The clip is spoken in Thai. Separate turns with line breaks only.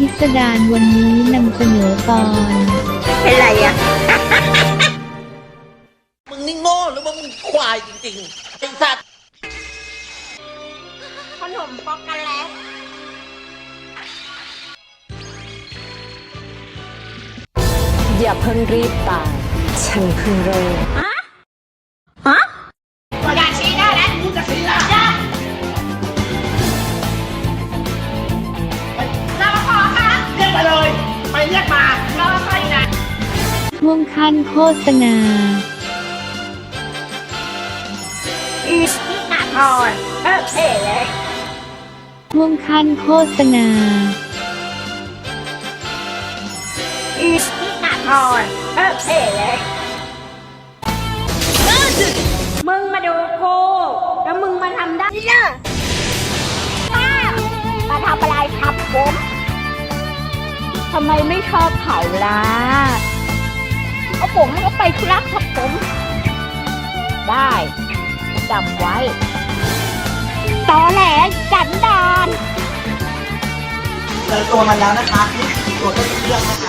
พิสดารวันนี้นำเสนอตอน
เป็นไรอ่ะ
มึงนี่โง่หรือว่ามึงควายจริงๆไอ้สัตว์
ขนมป๊อกโกแลต
อย่าเพิ่งรีบตาย ฉันเพิ่งเริ่ม
อย่าชี้ได้แล้วมึงจะชี้ละรอพอค่ะ
เรียกไปเลย ไปเรียกมาร
อพออยู่นะ
ช่วงขั้นโฆษณา
นี่หนักอ่อนเท่เลย
ช่วงขั้นโฆษณา
นี่หนักอ่อนเท่เลยมึงมาดูกูแล้วมึงมาทำได้เนอะป้ามาทำอะไรครับผมทำไมไม่ชอบเผาล่ะเอาผมก็ไปธุระครับผมได้จำไว้ตอแหลจันดาน
เจอตัวมันแล้วนะคะนี่ตัวต้นเรื่องนะคะ